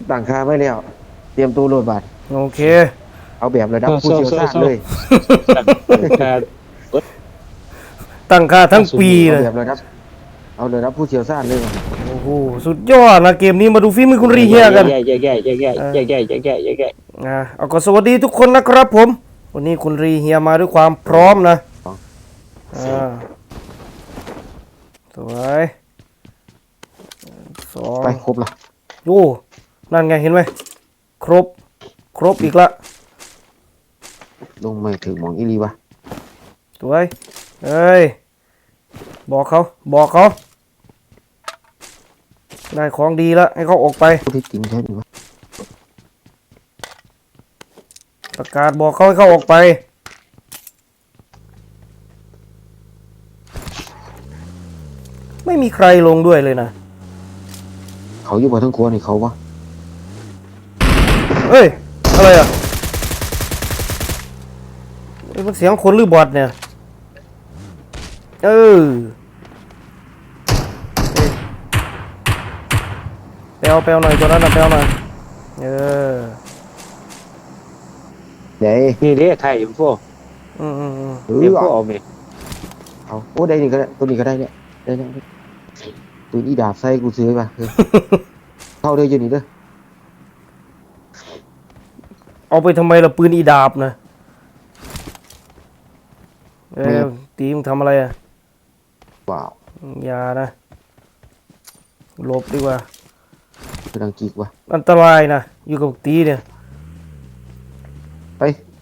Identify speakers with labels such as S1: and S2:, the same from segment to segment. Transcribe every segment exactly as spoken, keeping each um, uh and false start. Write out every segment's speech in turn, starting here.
S1: ตั้งค่าไว้แล้วเตรียมตัวโหลดบัตร
S2: โอเค
S1: เอาแบบระดับผู้เชี่ยวชาญเลย
S2: ตั้งค่าทั้งปีเลย
S1: เอาแบบระดับเอาระดับผู้เชี่ยวชาญเลย
S2: โอ้โหสุดยอดนะเกมนี้มาดูฝีมือคุณรีเฮียกัน
S3: แย่แย่แย่แย่แย่แย่แย่แย่แย่แย่แย่
S2: อ่าเอาก็สวัสดีทุกคนนะครับผมวันนี้คุณรีเฮียมาด้วยความพร้อมนะอ่าสวยสอง
S1: ไปครบละ
S2: โอ้นั่นไงเห็นไหมครบครบอีกละ
S1: ลงไม่ถึงมองอีลีวะ
S2: สวยเอ้ยบอกเขาบอกเขาได้ของดีแล้วให้เขาออกไป
S1: ที่จริงใช่ไหมวะ
S2: ประกาศบอกเขาให้เขาออกไปไม่มีใครลงด้วยเลยนะ
S1: เขาอยู่บนทั้งครัวนี่เขาวะ
S2: เฮ้ยอะไรอ่ะมันเสียงคนหรือบอทเนี่ยเออเปลวเปลวหน่อยตัวนั้นนะเปลวหน่อยเออ
S1: เดี๋ยว
S3: นี่เรียกไทยพวก
S2: อืมอืมอืม
S3: เรียกพวกเอาไหม
S1: เอาโอ้ได้นี่ก็ได้ตัวนี้ก็ได้เนี่ยได้เนี่ยตัวนี้ดาบใส่กูซื้อมาเข้าได้อยู่นี่เด้อ
S2: เอาไปทำไมล่ะปืนอีดาบนะเออตีมึงทำอะไรอ่ะ
S1: ว้าว
S2: อย่านะหลบดีกว่า
S1: เป็นดังกีกวะ
S2: อันตรายนะอยู่กับตีเนี่ย
S1: ไป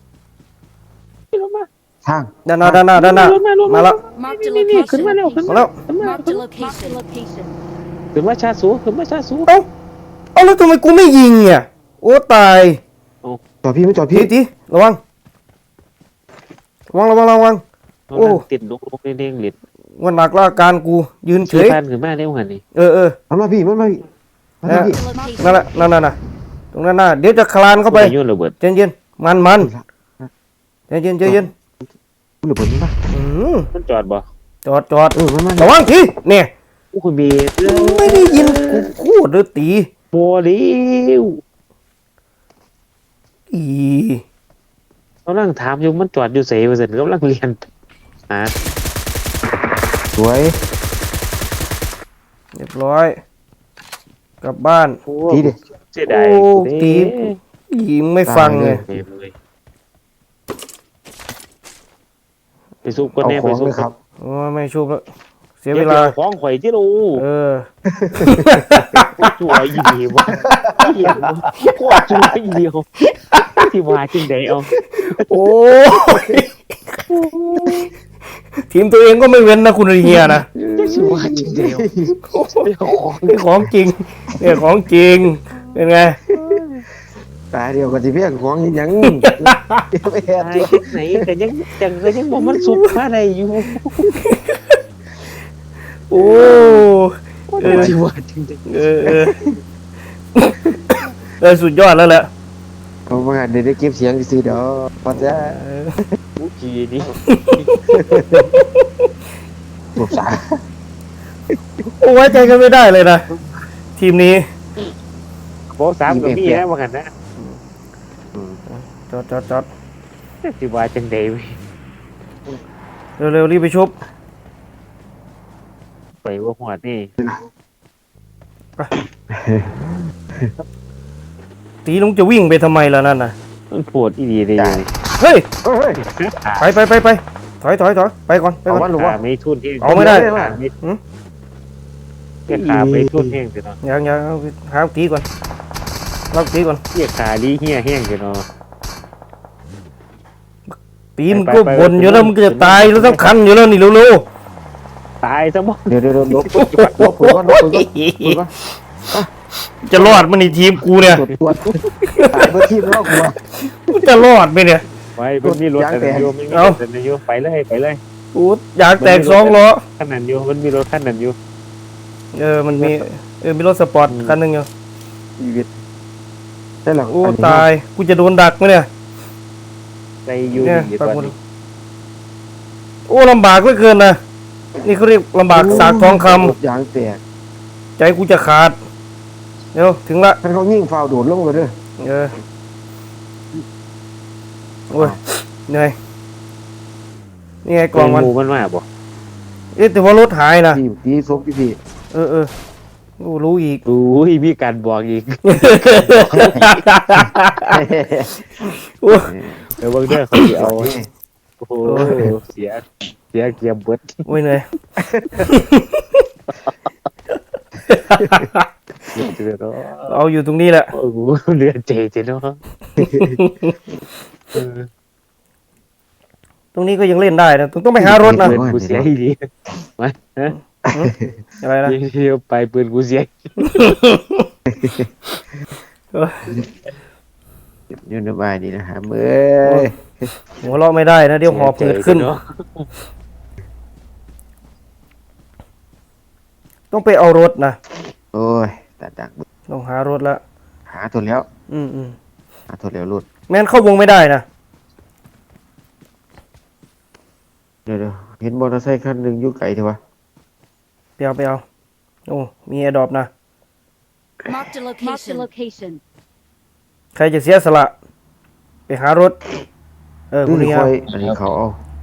S1: ทาง
S2: ด้านหน้าด้านหน้าด้านหน้ามาแล้ว
S3: ขึ้นมาเร็วขึ้น
S2: มาแล้ว
S3: ขึ้นมาชาสูขึ้นมาชาสู
S2: เอ้าเอาแล้วทำไมกูไม่ยิงเนี่ยโอ้ตาย
S1: จอดพี่ไม่จอดพี่
S2: ตีระวังระวังระวังระวัง
S3: โอ้ติดลุกลุกเด้งๆหลิด
S2: วันหนักละการกูยืนเฉย
S3: ขึ้นมาเร็วหันนี่
S2: เออเออ
S1: มันมาพี่มันมาพี่
S2: นั่นแหละนั่นน่ะตรงนั้นน่ะเดี๋ยวจะคลานเข้าไป
S3: เย็น
S2: เย็นมันมันเย็นเย็นเย็น
S1: หรือผมนี่ปะ
S3: มันจอดบ่
S2: จอดจอด
S1: เออมันมา
S2: ระวังทีเนี่ย
S3: โอ้คุณมี
S2: ไม่ได้ยินกูพูดหรือตี
S3: โมลิว
S2: อี
S3: เขานั่งถามอยู่มันจอดอยู่เสียเปอร์เซ็นต์กำลังเรียนอ่ะ
S1: สวย
S2: เรียบร้อยกลับบ้าน
S1: ตีดิ
S3: เสียดาย
S2: ตียิงไม่ฟังเลย
S3: ไปซุปก็แน่ไปซุป
S1: ครับ
S2: โอ้ไม่ชุบแล้วเสียเวลา
S3: คล้องข่อยที่รู
S2: เออ
S3: จั่วยี่ดีวะเหี้ยโคตรจั่วยี่เดียวที่ว่าจริงเดียว
S2: โอ้ทีมตัวเองก็ไม่เว้นนะคุณเฮียนะ
S3: ที่ว่าจริงเดียว
S2: นี่ของจริงเนี่ยของจริงเป็นไง
S1: ตาเดียวกับที่เพี้ยของยัง
S3: ไม่แอบที่ไหนแต่ยังจังเลยยังบอกมันสุกอะไรอยู่
S2: โอ้
S3: เออที่ว่าจริง
S2: เออเออเออสุดยอดแล้วแหละ
S1: เขามาเดี๋ยวได้เก็บเสียงซื้อเดี๋ยวพอจะ
S3: ผู้ขี่นี่
S1: ปลุกสา
S2: โอ้ไว้ใจกันไม่ได้เลยนะทีมนี้
S3: โบ๊ะสามกับพี่นะว่ากันนะ
S2: จอดจอดจอด
S3: ที่ว่าจังเดียว
S2: เร็วๆรีบไปชุบ
S3: ไปว่าหัวนี่
S2: ตีลุงจะวิ่งไปทำไมล่ะนั่นน่ะ
S3: มันปวดอีดีเลย
S2: เฮ้ยไปไปไปไปถอยถอยถอยไปก่อนไปก่อน
S3: ไม่ทุนที่
S2: เอาไม่ได้
S3: แค่ขาไม่ทุนแห้งสิเนาะ
S2: ยังยังหาตีก่อนเราตีก่อน
S3: เรียกขาดีเหี้ยแห้งสิเนาะ
S2: ตีมันก็บ่นอยู่แล้วมันจะตายแล้วต้องคันอยู่แล้วนี่เร็ว
S3: ๆตายซะมั้ง
S1: เดี๋ยวเดี๋ยวลบลบลบปุ๋ยก่อนลบปุ๋ยก่อน
S2: จะรอดมันในทีมกูเนี่ย
S1: ตายเพื่อทีมแล้วกู
S2: ว่าจะรอดไหมเนี่ย
S3: ไปมันมีรถแต่โยมเอาแต่โยมไปเลยไปเลย
S2: กูอยากแตกสองล้อ
S3: ขนาดโยมมันมีรถคันนั้นอยู่
S2: เออมันมีเออมีรถสปอร์ตคันหนึ่งอยู่
S1: ชีวิตได้หรอ
S2: โอ้ตายกูจะโดนดักไหมเนี่ย
S3: ใจอยู่ดีตอนนี้
S2: โอ้ลำบากเหลือเกินนะนี่เขาเรียกลำบากสากทองค
S1: ำยางแตก
S2: ใจกูจะขาดเร็วถึงละ
S1: ท่านเขายิ่งฟาวโดดลงไปเด้อ
S2: เออโอ้ยเหนื่อยนี่ไงกล่องมัน
S3: หมูมันมาบ่
S2: เอ๊ะแต่ว่ารถหายนะ
S1: พี่พี่ซบพี่พี่
S2: เออเออโอ้รู้อีก
S3: อุ้ยมีการบอกอีก
S2: โอ้ย
S3: เดี๋ยวเบิ่งเด้อเขาสิเอาโอ้โหเสียเสียเกียร์เบิด
S2: โอ้ยเหนื่อย
S3: เดือดเนาะ
S2: เอาอยู่ตรงนี้แหละ
S3: โอ้โหเลือดเจเจเนาะเออ
S2: ตรงนี้ก็ยังเล่นได้นะต้องต้องไปหารถนะ
S3: ปืนกูเสียอีดีมาฮะ
S2: อะไรนะ
S3: ยิงเที่ยวไปปืนกูเสีย
S1: ยืนสบายดีนะฮะเมื่อย
S2: หัวเราะไม่ได้นะเดี๋ยวหอบเกิดขึ้น
S3: เนาะ
S2: ต้องไปเอารถนะ
S1: โอ้ยตัดดัก
S2: ต้องหารถละ
S1: หาตัวแล้ว
S2: อืมอืม
S1: หาตัวแล้วรุด
S2: แม่นเข้าวงไม่ได้นะ
S1: เดี๋ยวเดี๋ยวเห็นมอเตอร์ไซค์คันหนึ่งอยู่ไกลเถอะวะ
S2: ไปเอาไปเอาโอ้มีแอร์ดรอปนะ
S4: Marked a location. Marked a location.
S2: ใครจะเสียสละ ไปหารถ เออคุณ
S1: นี่
S2: เฮีย
S1: คอยอันนี้เขาเอา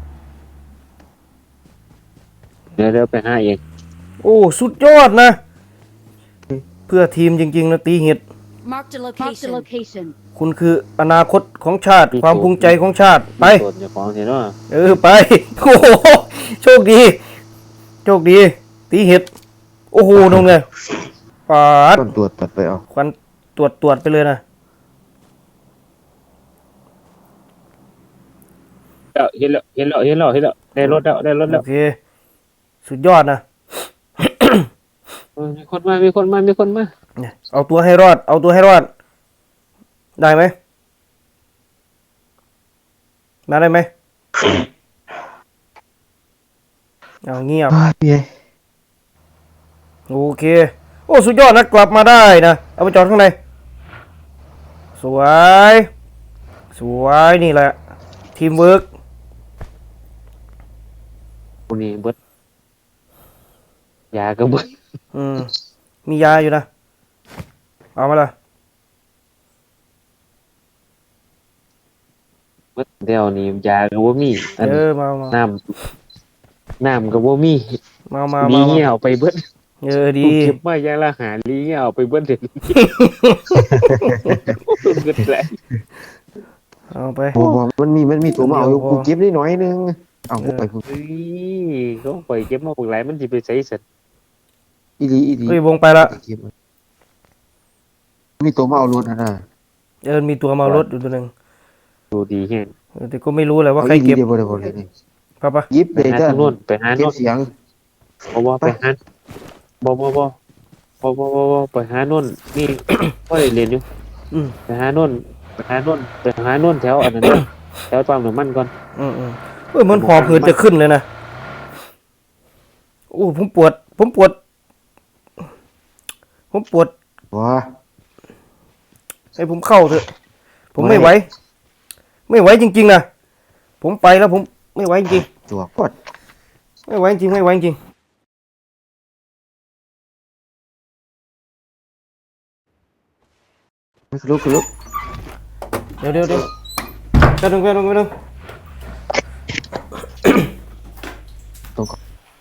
S3: เดี๋ยวเดี๋ยวไปหาเอง
S2: โอ้สุดยอดนะ เพื่อทีมจริงๆนะตีเห็ด
S4: Marked a location. Marked a location.
S2: คุณคืออนาคตของชาติ ความภูมิใจของชาติ ไป
S3: ส่วนเจ้าของสิเนาะ
S2: เออไป โอ้โหโชคดี โชคดี ตีเห็ด โอ้โหนงเลยปาด
S1: ต้นตัวตัดไปเอา
S2: ควันตรวจตรวจไปเลยนะ
S3: เห็นแล้วเห็นแล้วเห็นแล้วเห็นแล้วได้รถแล้วได้รถแล้
S2: โอ
S3: ว
S2: เค สุดยอดนะ
S3: เออมีคนมามีคนมามีคนมา
S2: เนี่ยเอาตัวให้รอด เอาตัวให้รอด ได้ไหม มาได้ไหม เอาเงียบ
S1: พี่ไง
S2: โอเค โอ้สุดยอดนะกลับมาได้นะ เอาไปจอดข้างใน สวย สวยนี่แหละ ทีมเวิร์ก
S3: คนนี้เบิดยาก็เบิด
S2: อืม มียาอยู่นะ เอามาละ
S3: เบิดเดี๋ยวนี้ยาก็บ่มีอัน
S2: เออ มามา
S3: น้ำน้ำก็บ่มี
S2: มามา
S3: ลี
S2: มา
S3: เงี้ยเอาไปเบิด
S2: เออดี
S3: กูเก็บมาอย่างละหาลีเงี้ยเอาไปเบิดเดี๋ยวนี้เกิดแหละ
S2: เอาไป
S1: โอ้โหมันมีมันมีตัวมาเอาอยู่
S2: เดี๋ยวพอ
S1: กูเก็บได้น้อยนึงเอากูไปกู
S3: เฮ้ยเขาไปเก็บมาปลูกหลายมันสิไปใช้เสร็จ
S1: อีดีอีดี
S2: เฮ้ยวงไปละ
S1: เก็บมันมีตัวมาเอารถนะนะ
S2: เออ มีตัวเมารถอยู่ตัวหนึ่ง
S3: ดูดีแฮง
S2: เออแต่ก็ไม่รู้แหละว่า
S1: เอา
S2: ใคร
S1: อีดี
S2: เก็บ
S1: เดี๋ยวบ่ได้บ่เลยนี่
S2: ปะปะ
S1: ยิบ
S3: ไป
S1: เลย
S3: หา
S1: จ้ะ
S3: ทางโน้นไปหา
S1: เก็
S3: โน้
S1: บ
S3: น
S1: เสียง
S3: บ่บ่ไปหาบ่บ่บ่บ่บ่บ่บ่ไปหาโน้นนี่ ก็ได้เรียนอยู่
S2: อืม
S3: ไปหาโน่นไปหาโน่นไปหาโน่นแถวอันนั้นนะ แถวปั๊มน้ำมันก่อน
S2: อืมอืมเออมันหอบหืดจะขึ้นเลยนะ โอ้ผมปวด ผมปวด ผมปวด
S1: ว้า
S2: ให้ผมเข้าเถอะ ผมไม่ไหว ไม่ไหวจริงๆนะ ผมไปแล้วผมไม่ไหวจริง
S1: ตัวปอด
S2: ไม่ไหวจริงไม่ไหวจริง
S1: คือลุกคือลุก
S2: เดี๋ยวเดี๋ยวเดี๋ยวแป๊บนึงแป๊บนึงแป๊บนึง
S1: ตรงก่อน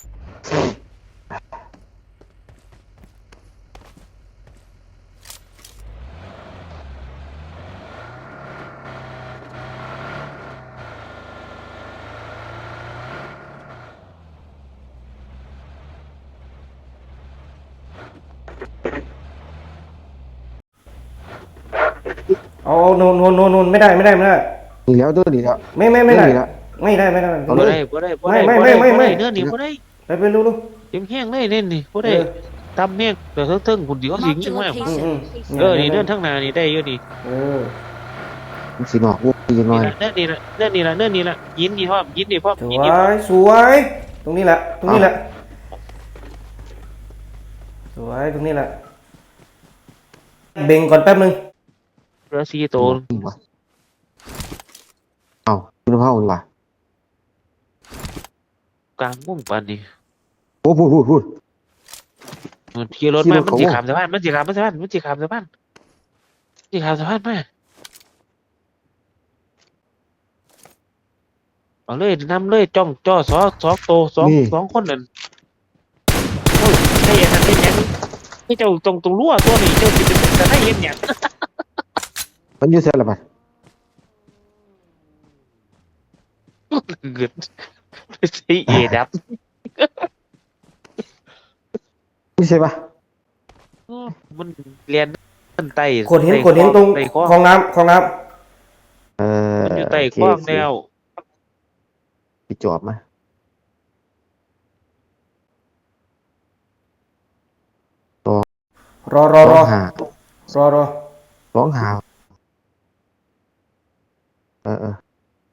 S2: เอาเอาโนนโนนโนนโนนไม่ได้ไม่ได้ไม่ได้
S1: นี่แล้วตัวนี้แล้ว
S2: ไม่ไม่ไม่ได้
S1: นี่แล้ว
S2: ไม่ได้ไม่ได้
S1: เอา
S3: บ่
S1: เลย
S3: ได้บ่ได้บ่ได้
S2: ไม่
S3: บ่
S2: ไม่
S3: ได้
S2: ไม่
S3: บ่
S2: ไม่
S3: ได้เนื้อนี่บ่ได้
S2: ไปไปรู้รู้
S3: เต็มแห้งเลยเน่นนี่บ่ได้
S2: เออ
S3: ตำแห้งแต่เทิงๆคุณเดียวสิง
S4: Marked
S3: จั
S4: a
S3: งว่า
S2: อืมอืม
S4: location.
S3: เออนี่เดินทางหน้านี่ได้อยู่นี่
S2: เออ
S1: มันสีหนอกวุ้ยน้อย
S3: เนื้อนี่ละเนื้อนี่ละเนื้อนี่ละยินนี่พร้อมยินนี่พร้อม
S2: ส
S3: ยิน
S2: ว
S3: นี่พร้อม
S2: ยสวย ตรงนี้แหละ ตรงนี้แหละ สวยตรงนี้แหละ เบ่งก่อนแป๊บนึง
S3: เรือซีโตน
S1: นี่วะเอาคุณภาพดีกว่าก
S3: ลางมุ่งปานนี่
S1: โอ้พูดพูดพูด
S3: มันขี่รถมามันสิขามสะพานมันสิขามสะพานมันสิขามสะพานมันสิขามสะพานมาเอาเลยนำเลยจ้องจ่อสอสองโตสองสองคนนั่นโอ้ยไอ้ยันนั่นไอ้ยังไม่เจ้าตรงตรงรั่วตัวนี้เจ้าสิเป็นแต่ได้เห็นหยัง
S1: มันอยู่เสียละบัด
S3: เกิดใช้เอดับ
S1: ไม่ใช่ปะ
S3: มันเรียนมันไต่
S2: ขดเห็นขดเห็นตรง
S3: ไต่ข้อ
S2: คลองน้ำคลองน้
S1: เออ
S3: มันอยู่ไต่
S1: โอเค
S3: ข้องแนว
S1: พี่จอบมา
S2: ำรอรอร
S1: ร้
S2: อ
S1: องหาร
S2: อรอ
S1: ร้องหาเออเออ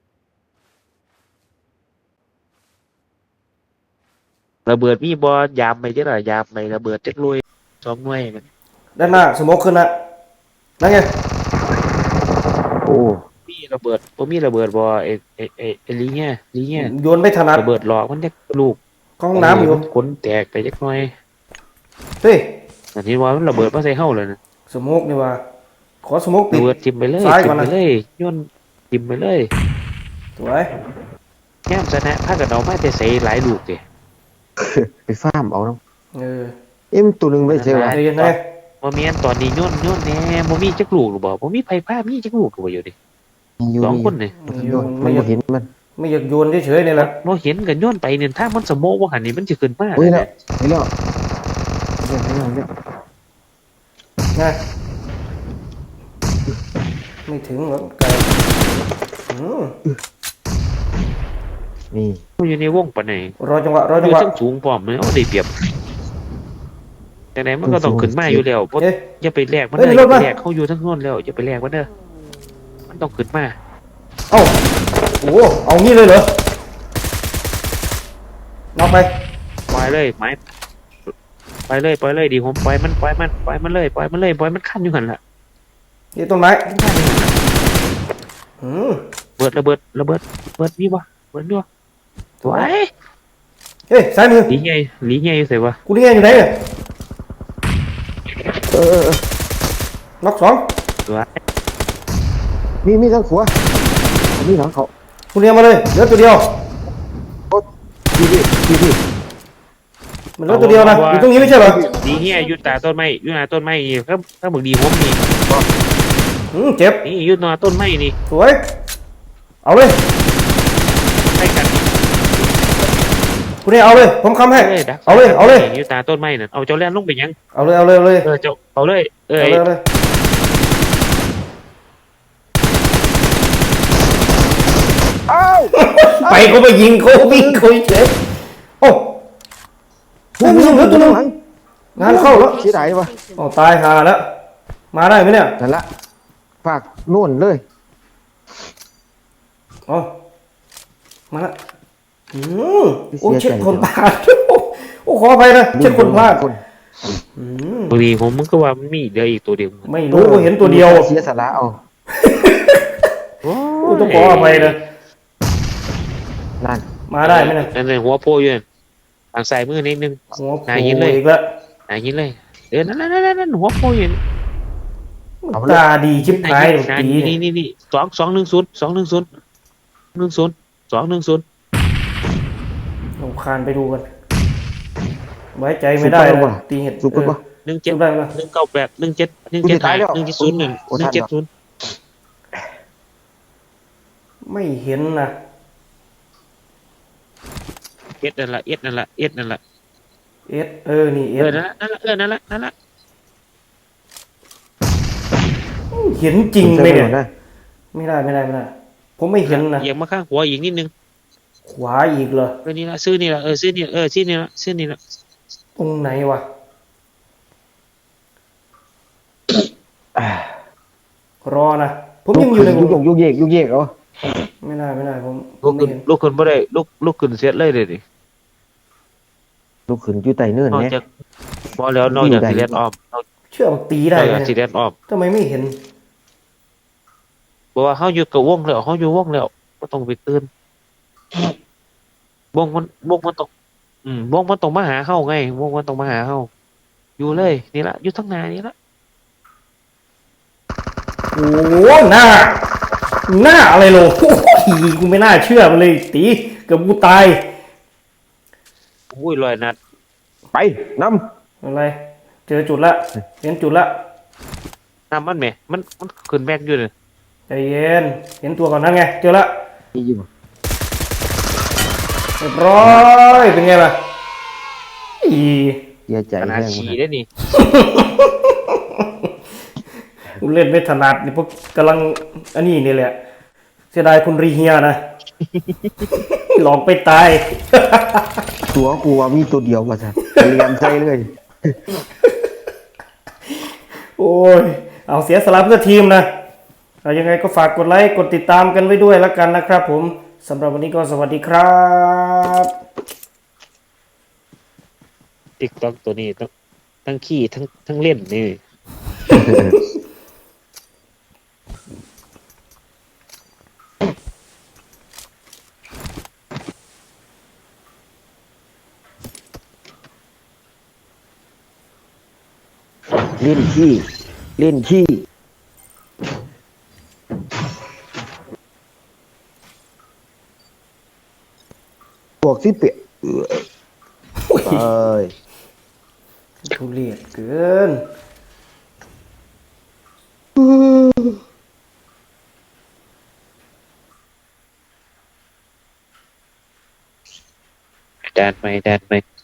S3: ระเบิดมีบอยามไปเจ้าหน่อยยามไประเบิดจักลุยสองหน่วยมัน
S2: ด้านหน้าสโมกขึ้นละนั่นไง
S1: โอ้
S3: มีระเบิดบ่มีระเบิดบอเอเอเอเอลีเนี่ยลีเนี่ย
S2: โยนไม่ถนัด
S3: ระเบิดหลอกมันจักลูก
S2: เข้าห้องน้ำอยู่
S3: ขนแตกไปจักหน่อย
S2: เฮ้ย
S3: อันนี้ว่ามันระเบิดมาใส่เฮาเลยนะ
S2: สโมกนี่ว่าขอสโมกปิ
S3: ระ
S2: ด
S3: เบิดทิ่มไปเลย
S2: ซ้าย
S3: ทิ่
S2: ก่อ
S3: ม
S2: น
S3: ไป
S2: นะ
S3: เลยย่นทิ่มไปเลย
S2: สวย
S3: แง่มชนะพากันเอามาแต่ใส่หลายลูกเด้
S1: ไปฟ้ามเอาน้อง
S2: เออ
S1: เอ็มตัวหนึ่งไม่ใช่ปะ
S2: ใจเย็นเลย
S3: บ่แม่นตอนนี้ย่นย่นแหน่บ่มีจักลูกหรือบ่บ่มีไผพามีจักลูกหรือบ่อยู่ดิ
S1: มีอยู่
S3: สอง
S1: มี
S3: คนนี่
S1: มันโยนมันบ่เห็นมัน
S2: ไม่อยากโยนเฉยๆนี่แหละ
S3: บ่เห็นกันย่นไปเนี่ยถ้ามันสมโมว่าหันนี่มันสิขึ้นมา
S1: เฮ้ยแล้วเฮ้ยแล้วเฮ้ยแล้วเฮ้ยแล้ว
S2: นะไม่ถึงหรอกไก่อืม
S1: นี่
S3: อยู่ในวงปานไหน
S2: รอจังหวะรอ
S3: อ
S2: จัง
S3: ยู่
S2: หวะ
S3: ทั้งสูงพร้อมเลยเอาได้เปรียบจังไดมันก็ต้องขึ้นมาอยู่แล้วบ่
S2: เอ๊ะ
S3: อย่าไปแลกมัน
S2: เฮ้ย
S3: เลย
S2: ร
S3: อย่า
S2: ถ
S3: ไป
S2: มา
S3: แลกเขาอยู่ทั้งโน้นแล้วอย่าไปแลกมันเด้อมันต้องขึ้นมา
S2: เอ้าโอ้เอางี้เลยเหรอน็อกไป
S3: ปล่อยเลยไม้ปล่อยเลยปล่อยเลยดีผมปล่อยมันปล่อยมันปล่อยมันเลยปล่อยมันเลยปล่อยมันคั่นอยู่หั่นล่ะ
S2: นี่ต้นไม้
S3: มันคั่นอยู่หั่นล่ะ
S2: อืม
S3: เบิดระเบิดระเบิดเบิดมีบ่เบิดมีบ่สวย
S2: เฮ้ยซ้ายมือ
S3: หลีใหญ่หลีใหญ่อยู่ไสวะ
S2: กูนี่ไงอยู่ไหนเนี่ย
S1: เออเออเออ
S2: น็อกสอง
S3: สวย
S1: มีมีทั้งขัวมีหลังเขา
S2: กูเรียงมาเลยเหลือตัวเดียว
S1: ดีดีดีดี
S2: มันเหลือตัวเดียวนะอยู่ตรงนี้ไม่ใช่เหรอ
S3: ดีเฮียอยู่ตาต้นไม้อยู่หน้าต้นไม้นี่ครับถ้าบึกดีผมนี่
S2: อืมเจ็บ
S3: นี่อยู่หน้าต้นไม้นี่
S2: สวยเอาเลย
S3: ใกล้กันนี่
S2: กูนี่เอาเลยผมค้ำให้
S3: ดัก
S2: เอาเลยเอาเลย
S3: อยู่ตาต้นไม้น่ะเอาเจ้าแล่นลงไปยัง
S2: เอาเลยเอาเลยเอาเลย
S3: เออเจ้าเอาเลยเออ
S2: เอาเลยเอาเลย
S1: อ้าว
S2: ไปกูไปยิงกูวิ่งกูเจ็บโอ้เฮ้ยมึงเหลือตัวหนึงงานเข้าแล้ว
S1: เสียดายวะ
S2: โอ้ตายหาแล้วมาได้ไหมเนี่ย
S1: นั่นละฝากนู่นเลย
S2: อ๋อมาละอืมโอ้เช็ดคนพลาดโอ้ขออภัยนะเช็ดคนพลาด
S1: คน
S2: อืม
S3: บางทีผมมันก็ว่ามันมีเหลืออีกตัวเดียว
S2: ไม่รู้กูเห็นตัวเดียว
S1: เสียสาระเอา
S3: โอ้
S2: กูต้องขออภัยนะ
S1: นั่น
S2: มาได้ไหมเนี่ย
S3: นั่นเลยหัวโพอยู่นั่นทางซ้ายมือนิดนึง
S2: หัวโผ
S3: นายยิงเลย
S2: ล่อีกแล้ว
S3: อ่ายิงเลยเออนั่นนั่นนั่นนั่นหัวโพอยู่นั่น
S2: ตาดีชิบหาย
S3: นาย
S2: ตี
S3: ยิง
S2: เนี่
S3: นี่
S2: ย
S3: นี่นี่สองสองหนึ่งศูนย์สองหนึ่งศูนย์หนึ่งศูนย์สองหนึ่งศูนย์
S2: ลงคานไปดูกันไว้ใจไม่ได้เลยตีเห็ด
S1: สุกปะ
S3: หนึ่ง
S2: เจ็
S3: เจ็
S2: บ
S3: ด
S2: ได้ไหม
S3: หนึ่งเก้าแปดหนึ่งเจ็ดหนึ่งเจ็ดหนึ่งเจ็ดศูนย์หนึ่งหนึ่งเจ็ดศูนย์
S2: ไม่เห็นนะ
S3: เอ็ดนั่นละเอ็ดนั่นละเอ็ดนั่นละ
S2: เอสเออนี่เอ
S3: เออ
S2: ส
S3: นั่นละเออนั่นละนั่นละ
S2: เห็นจริงไหมเนี่ย
S1: ได้
S2: ไม่ได้ไม่ได้ไม่ได้ ผมไม่เห็นนะ
S3: เอียงมาข้างหัวอีกนิดนึง
S2: ขวาอีกเหรอ
S3: เออนี่ละซื้อนี่ละเออซื้อนี่เออซื้อนี่ละซื้อนี่ละ
S2: ตรงไหนวะรอนะผมยังอยู่ใน
S1: ยุกยุกเยกยุกเยกเหรอ
S2: ไม่ได้ไม่ได้ผมผ
S3: ลุ
S2: ม
S3: ก
S2: ไม่
S3: ขึ้น
S2: เห็น
S3: ลุกขึ้นบ่ได้ลุกลุกขึ้นเสียเลยเลยดิ
S1: ลูกขึ้นอยู่ใต้เนิน
S3: นอก
S1: เนี่ย
S3: จากพอแล้วนอกจากสีแดนออมนอก
S2: เชื่อว่าตีได้
S3: จาก
S2: ไหม
S3: สีแดนออม
S2: ทำไมไม่เห็น
S3: บอกว่าเฮาอยู่กับวงแล้วเฮาอยู่วงแล้วบ่ต้องไปตื่นวงมันวงมันต้องอืมวงมันต้องมาหาเฮาไงวงมันต้องมาหาเฮาอยู่เลยนี่ละอยู่ทั้งหนานี่ละ
S2: โอ้หน้าหน้าอะไรโลโอ้ยกูไม่น่าเชื่อมันเลยตีเกือบกูตาย
S3: อุ้ยลอยนัด
S1: ไปน
S2: อะไร เจอจุดละเห็นจุดละ
S3: น้ำมันแหมมันมันขึ้นแม็กอยู่เลย
S2: ใจเย็นเห็นตัวก่อนนั่นไงเจอละ
S1: ำนี่อยู่
S2: เรียบร้อยเป็นไงล่ะอี
S1: เสียใจ
S3: ขนาด
S1: แห้ง
S3: ฉี่
S1: มัน
S3: ได้นี่
S2: กูเล่นไม่ถนัดนี่พวกกำลังอันนี้นี่แหละเสียดายคุณรีเฮียนะ หลอกไปตาย
S1: ตัวกูว่ามีตัวเดียวว่าซะเรียนใจเลย
S2: โอ้ยเอาเสียสละเพื่อทีมนะเอายังไงก็ฝากกดไลค์กดติดตามกันไว้ด้วยแล้วกันนะครับผมสำหรับวันนี้ก็สวัสดีครับ
S3: ติ๊กต็อกตัวนี้ต้องทั้งขี้ทั้งทั้งเล่นนี่
S1: เล่นขี้เล่นขี้พวกสิเปียเอ้ย
S2: โอ้ย
S1: เอ้ย
S2: ทุเรศเกิน
S3: แดนไหมแดนไหม